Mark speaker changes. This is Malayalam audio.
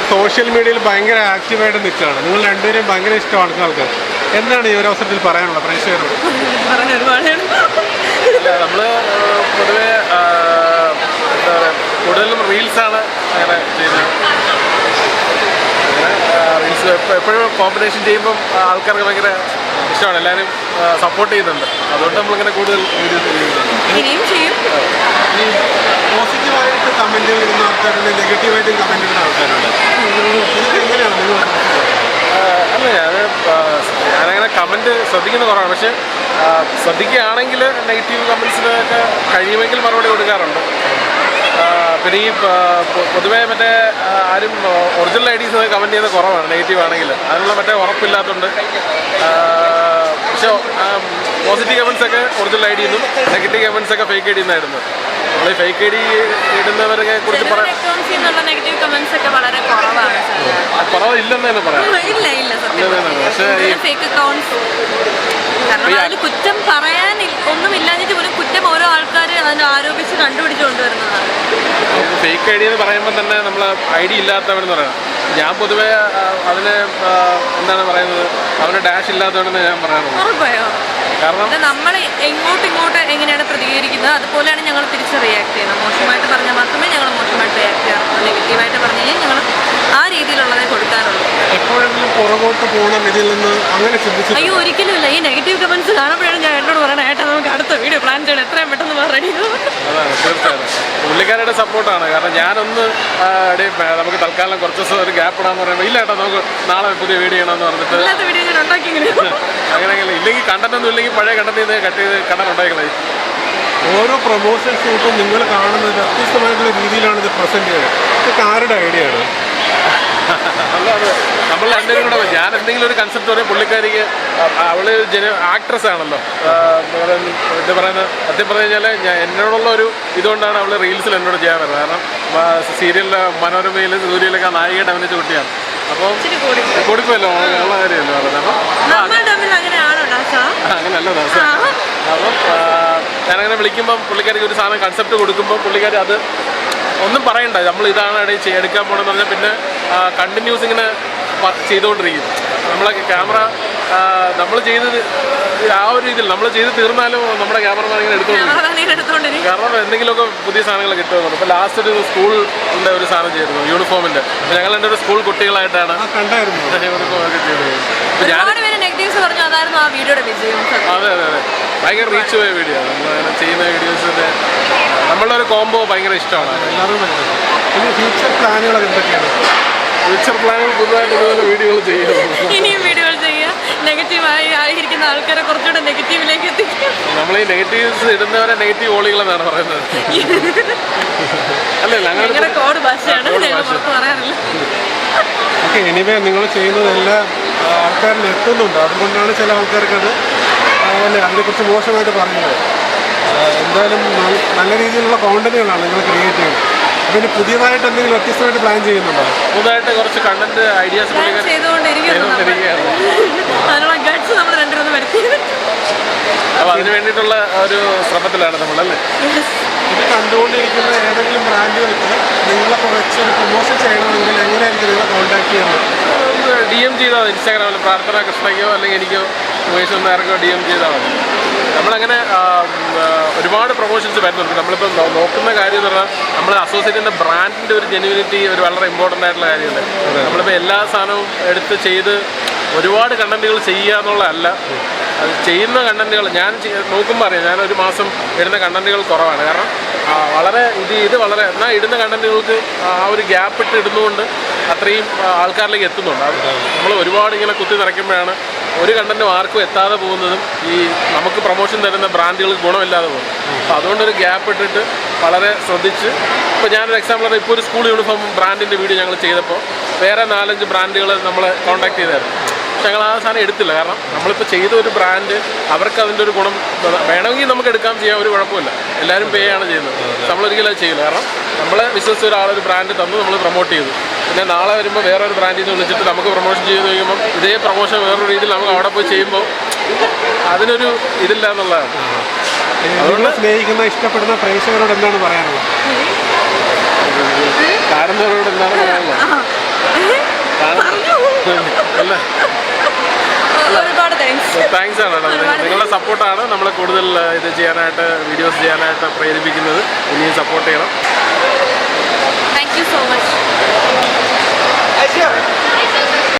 Speaker 1: സോഷ്യൽ മീഡിയയിൽ ഭയങ്കര ആക്റ്റീവായിട്ട് നിൽക്കുകയാണ്. നിങ്ങൾ രണ്ടുപേരും ഭയങ്കര ഇഷ്ടമാണ് ആൾക്കാർ. എന്താണ് ഈ ഒരു അവസരത്തിൽ പറയാനുള്ള പ്രേക്ഷകരോട്?
Speaker 2: നമ്മൾ പൊതുവെ എന്താ പറയുക, കൂടുതലും റീൽസാണ് അങ്ങനെ ചെയ്യുന്നത്. റീൽസ് എപ്പോഴും കോമ്പിനേഷൻ ചെയ്യുമ്പം ആൾക്കാർക്ക് ഭയങ്കര ഇഷ്ടമാണ്, എല്ലാവരും സപ്പോർട്ട് ചെയ്യുന്നുണ്ട്. അതുകൊണ്ട് നമ്മളിങ്ങനെ കൂടുതൽ വീഡിയോസ് ചെയ്യുന്നുണ്ട്.
Speaker 1: ഈ പോസിറ്റീവായിട്ട് കമൻറ്റ് ചെയ്യുന്ന ആൾക്കാരുണ്ട്, നെഗറ്റീവായിട്ട് കമൻറ്റ് ചെയ്യുന്ന ആൾക്കാരുണ്ട്. ഇതൊക്കെ എങ്ങനെയാണ് നിങ്ങൾ?
Speaker 2: അല്ല, ഞാനങ്ങനെ കമൻറ്റ് ശ്രദ്ധിക്കുന്ന കുറവാണ്. പക്ഷേ ശ്രദ്ധിക്കുകയാണെങ്കിൽ നെഗറ്റീവ് കമൻസിനൊക്കെ കഴിയുമെങ്കിൽ മറുപടി കൊടുക്കാറുണ്ട്. പിന്നെ ഈ പൊതുവേ മറ്റേ ആരും ഒറിജിനൽ ഐഡീസ് കമൻറ്റ് ചെയ്യുന്നത് കുറവാണ് നെഗറ്റീവ് ആണെങ്കിൽ. അതിനുള്ള മറ്റേ ഉറപ്പില്ലാത്തതുകൊണ്ട്. പക്ഷേ പോസിറ്റീവ് കമൻസൊക്കെ ഒറിജിനൽ ഐ ഡിയെന്നും നെഗറ്റീവ് കമൻസൊക്കെ ഫേക്ക് ഐ ഡി എന്നായിരുന്നു. നമ്മൾ ഈ ഫേക്ക് ഐ ഡി ഇടുന്നവരെ കുറിച്ച് പറയാം, കുറവില്ലെന്ന് തന്നെ പറയാം. പക്ഷേ
Speaker 3: കുറ്റം പറയാൻ ഒന്നുമില്ലാഞ്ഞിട്ട് പോലും കുറ്റം ഓരോ ആൾക്കാർ അതിന് ആരോപിച്ച് കണ്ടുപിടിച്ച് കൊണ്ടുവരുന്നതാണ്.
Speaker 2: ഫേക്ക് ഐ ഡി എന്ന് പറയുമ്പോൾ തന്നെ നമ്മൾ ഐ ഡി ഇല്ലാത്തവനെന്ന് പറയാം. ഞാൻ പൊതുവേ അതിന് എന്താണ് പറയുന്നത്, അവന് ഡാഷ് ഇല്ലാത്തവനെന്ന് ഞാൻ പറയാറുള്ളൂ. കാരണം
Speaker 3: നമ്മൾ ഇങ്ങോട്ട് എങ്ങനെയാണ് പ്രതികരിക്കുന്നത് അതുപോലെയാണ് ഞങ്ങൾ തിരിച്ച് റിയാക്ട് ചെയ്യുന്നത്. മോശമായിട്ട് പറഞ്ഞാൽ മാത്രമേ ഞങ്ങൾ മോശമായിട്ട് റിയാക്ട് ചെയ്യാറുള്ളൂ. നെഗറ്റീവായിട്ട് പറഞ്ഞു കഴിഞ്ഞാൽ ഞങ്ങൾ ആ രീതിയിലുള്ളതേ കൊടുക്കാറുള്ളൂ.
Speaker 1: എപ്പോഴെങ്കിലും പുറകോട്ട് പോകണം ഇതിൽ നിന്ന് അങ്ങനെ ചിന്തിച്ചു?
Speaker 3: അയ്യോ, ഒരിക്കലും ഇല്ല. ഈ നെഗറ്റീവ് കമൻസ് കാണുമ്പോഴാണ് ഞാൻ എന്നോട് പറയണേ, ഏട്ടാ നമുക്ക് അടുത്ത വീഡിയോ പ്ലാൻ ചെയ്യണം, എത്രയും പെട്ടെന്ന് റെഡി.
Speaker 2: അതാണ് തീർച്ചയായും പുള്ളിക്കാരുടെ സപ്പോർട്ടാണ്. കാരണം ഞാനൊന്ന് നമുക്ക് തൽക്കാലം കുറച്ച് ദിവസം ഒരു ഗ്യാപ്പ് ഇടാന്ന് പറയുമ്പോൾ ഇല്ല ഏട്ടാ നമുക്ക് നാളെ പുതിയ വീഡിയോ ചെയ്യണമെന്ന് പറഞ്ഞിട്ട്
Speaker 3: വീഡിയോ ഞാൻ ഉണ്ടാക്കി
Speaker 2: അങ്ങനെ ഇല്ലെങ്കിൽ കണ്ടന്റ് ഒന്നും ഇല്ലെങ്കിൽ പഴയ കണ്ടന്റ് ചെയ്ത് കട്ട് ചെയ്ത് കണ്ടന്റ് ഉണ്ടാക്കിക്കളെ.
Speaker 1: ഓരോ പ്രൊമോഷൻ ഷൂട്ടും നിങ്ങൾ കാണുന്നത് വ്യത്യസ്തമായിട്ടുള്ള രീതിയിലാണ് ഇത് പ്രസന്റ് ചെയ്യുന്നത്. ഇതൊക്കെ ആരുടെ ഐഡിയ ആണ്?
Speaker 2: അല്ല, അത് നമ്മൾ രണ്ടുപേരും കൂടെ ഞാൻ എന്തെങ്കിലും ഒരു കൺസെപ്റ്റ് പറയും, പുള്ളിക്കാരിക്ക് അവള് ആക്ട്രസ് ആണല്ലോ. എന്താ പറയുന്നത്, സത്യം പറഞ്ഞു കഴിഞ്ഞാൽ എന്നോടുള്ള ഒരു ഇതുകൊണ്ടാണ് അവള് റീൽസിൽ എന്നോട് ചെയ്യാൻ വരുന്നത്. കാരണം സീരിയലിലെ മനോരമയിലും സൂര്യയിലൊക്കെ നായികയുടെ അഭിനയിച്ച കുട്ടിയാണ്. അപ്പം കൊടുക്കുമല്ലോ ഉള്ള കാര്യമല്ലോ പറഞ്ഞത്. അപ്പം അങ്ങനെയല്ല ദാസ. അപ്പം ഞാനങ്ങനെ വിളിക്കുമ്പം പുള്ളിക്കാരിക്ക് ഒരു സാധനം കൺസെപ്റ്റ് കൊടുക്കുമ്പോൾ പുള്ളിക്കാരി അത് ഒന്നും പറയണ്ട, നമ്മൾ ഇതാണ് എടുക്കാൻ പോകണമെന്ന് പറഞ്ഞാൽ പിന്നെ കണ്ടിന്യൂസ് ഇങ്ങനെ ചെയ്തുകൊണ്ടിരിക്കും. നമ്മളെ ക്യാമറ നമ്മൾ ചെയ്ത് ആ ഒരു ഇതിൽ നമ്മൾ ചെയ്ത് തീർന്നാലും നമ്മുടെ ക്യാമറമാൻ ഇങ്ങനെ എടുത്തുകൊണ്ടിരിക്കും. കാരണം എന്തെങ്കിലുമൊക്കെ പുതിയ സാധനങ്ങൾ കിട്ടുമെന്നുണ്ട്. ഇപ്പോൾ ലാസ്റ്റ് ഒരു സ്കൂളിൻ്റെ ഒരു സാധനം ചെയ്തിരുന്നു, യൂണിഫോമിൻ്റെ. അപ്പോൾ ഞങ്ങൾ എൻ്റെ ഒരു സ്കൂൾ കുട്ടികളായിട്ടാണ് യൂണിഫോമൊക്കെ ചെയ്തത്. അതെ അതെ അതെ, ഭയങ്കര റീച്ച് പോയ വീഡിയോ ആണ്. നമ്മളങ്ങനെ ചെയ്യുന്ന വീഡിയോസിൻ്റെ നമ്മളുടെ ഒരു കോംബോ ഭയങ്കര ഇഷ്ടമാണ്.
Speaker 1: ഫ്യൂച്ചർ പ്ലാനുകൾ എന്തൊക്കെയാണ്?
Speaker 2: ഫ്യൂച്ചർ പ്ലാനുകൾ പുതുതായിട്ട് ഇതുപോലെ വീഡിയോകൾ ചെയ്യുക,
Speaker 3: ഇനിയും വീഡിയോകൾ ചെയ്യുക, നെഗറ്റീവായി ആയിരിക്കുന്ന ആൾക്കാരെ കുറച്ചുകൂടെ നെഗറ്റീവിലേക്ക് എത്തിക്കുക.
Speaker 2: നമ്മൾ ഈ നെഗറ്റീവ്സ് ഇടുന്നവരെ നെഗറ്റീവ് ഓളികളെന്നാണ് പറയുന്നത്. അല്ലല്ല, അങ്ങനെ
Speaker 3: കോഡ് ഭാഷയാണ്, പറയാറില്ല.
Speaker 1: ഓക്കെ, എനിവേ നിങ്ങൾ ചെയ്യുന്നതെല്ലാം ആൾക്കാരിൽ എത്തുന്നുണ്ട്. അതുകൊണ്ടാണ് ചില ആൾക്കാർക്കത് അതിനെക്കുറിച്ച് മോശമായിട്ട് പറയുന്നത്. എന്തായാലും നല്ല രീതിയിലുള്ള കോണ്ടന്റുകളാണ് നിങ്ങൾ ക്രിയേറ്റ് ചെയ്യുന്നത്. പിന്നെ പുതിയതായിട്ട് എന്തെങ്കിലും വ്യത്യസ്തമായിട്ട് പ്ലാൻ ചെയ്യുന്നുണ്ടോ?
Speaker 2: പുതുതായിട്ട് കുറച്ച് കണ്ടന്റ് ഐഡിയാസ് അപ്പോൾ അതിന് വേണ്ടിയിട്ടുള്ള ഒരു ശ്രമത്തിലാണ് നമ്മളല്ലേ.
Speaker 1: ഇത് കണ്ടുകൊണ്ടിരിക്കുന്ന ഏതെങ്കിലും ബ്രാൻഡുകൾക്ക് നിങ്ങളെ കുറച്ച് പ്രൊമോഷൻ ചെയ്യണമെങ്കിൽ എങ്ങനെയായിരിക്കും നിങ്ങളെ കോൺടാക്ട് ചെയ്യുന്നത്?
Speaker 2: DM ചെയ്താൽ മതി. ഇൻസ്റ്റാഗ്രാമിൽ പ്രാർത്ഥന കൃഷ്ണയ്ക്കോ അല്ലെങ്കിൽ എനിക്കോ ഉപേഷ് നേർക്കോ DM ചെയ്താൽ മതി. നമ്മളങ്ങനെ ഒരുപാട് പ്രൊമോഷൻസ് വരുന്നുണ്ട്. നമ്മളിപ്പോൾ നോക്കുന്ന കാര്യം എന്ന് പറഞ്ഞാൽ നമ്മൾ അസോസിയേറ്റ് ചെയ്യുന്ന ബ്രാൻഡിൻ്റെ ഒരു ജെന്യുവിനിറ്റി ഒരു വളരെ ഇമ്പോർട്ടൻ്റ് ആയിട്ടുള്ള കാര്യമല്ലേ. നമ്മളിപ്പോൾ എല്ലാ സാധനവും എടുത്ത് ചെയ്ത് ഒരുപാട് കണ്ടന്റുകൾ ചെയ്യുക എന്നുള്ളതല്ല, അത് ചെയ്യുന്ന കണ്ടന്റുകൾ ഞാൻ നോക്കുമ്പോൾ അറിയാം ഞാൻ ഒരു മാസം ഇടുന്ന കണ്ടന്റുകൾ കുറവാണ്. കാരണം വളരെ ഇത് വളരെ എന്നാൽ ഇടുന്ന കണ്ടന്റുകൾക്ക് ആ ഒരു ഗ്യാപ്പ് ഇട്ട് ഇടുന്നതുകൊണ്ട് അത്രയും ആൾക്കാരിലേക്ക് എത്തുന്നുണ്ട്. അത് നമ്മൾ ഒരുപാട് ഇങ്ങനെ കുത്തി നിറയ്ക്കുമ്പോഴാണ് ഒരു കണ്ടന്റും ആർക്കും എത്താതെ പോകുന്നതും ഈ നമുക്ക് പ്രൊമോഷൻ തരുന്ന ബ്രാൻഡുകൾക്ക് ഗുണമില്ലാതെ പോകുന്നത്. അപ്പോൾ അതുകൊണ്ടൊരു ഗ്യാപ്പ് ഇട്ടിട്ട് വളരെ ശ്രദ്ധിച്ച് ഇപ്പോൾ ഞാനൊരു എക്സാമ്പിൾ പറഞ്ഞാൽ ഇപ്പോൾ ഒരു സ്കൂൾ യൂണിഫോം ബ്രാൻഡിൻ്റെ വീഡിയോ ഞങ്ങൾ ചെയ്തപ്പോൾ വേറെ 4-5 ബ്രാൻഡുകൾ നമ്മളെ കോൺടാക്ട് ചെയ്തായിരുന്നു. പക്ഷെ ഞങ്ങൾ ആ സാധനം എടുത്തില്ല. കാരണം നമ്മളിപ്പോൾ ചെയ്ത ഒരു ബ്രാൻഡ് അവർക്ക് അതിൻ്റെ ഒരു ഗുണം വേണമെങ്കിൽ നമുക്ക് എടുക്കാൻ ചെയ്യാൻ ഒരു കുഴപ്പമില്ല. എല്ലാവരും പേ ആണ് ചെയ്യുന്നത്. നമ്മളൊരിക്കലും അത് ചെയ്യില്ല. കാരണം നമ്മളെ വിശ്വസിച്ച ഒരാളൊരു ബ്രാൻഡ് തന്നു, നമ്മൾ പ്രൊമോട്ട് ചെയ്തു. പിന്നെ നാളെ വരുമ്പോൾ വേറൊരു ബ്രാൻഡിൽ നിന്ന് വിളിച്ചിട്ട് നമുക്ക് പ്രൊമോഷൻ ചെയ്ത് കഴിയുമ്പം ഇതേ പ്രൊമോഷൻ വേറൊരു രീതിയിൽ നമുക്ക് അവിടെ പോയി ചെയ്യുമ്പോൾ അതിനൊരു ഇതില്ല എന്നുള്ളതാണ്.
Speaker 1: അതുകൊണ്ട് സ്നേഹിക്കുന്ന ഇഷ്ടപ്പെടുന്ന പ്രേക്ഷകരോട് എന്താണ് പറയാനുള്ളത്?
Speaker 2: കാണുന്നവരോട് എന്താണ് പറയാനുള്ളത്? താങ്ക്സ് ആണ് കേട്ടോ. നിങ്ങളുടെ സപ്പോർട്ടാണ് നമ്മളെ കൂടുതൽ ഇത് ചെയ്യാനായിട്ട് വീഡിയോസ് ചെയ്യാനായിട്ട് പ്രേരിപ്പിക്കുന്നത്. ഇനിയും സപ്പോർട്ട് ചെയ്യണം.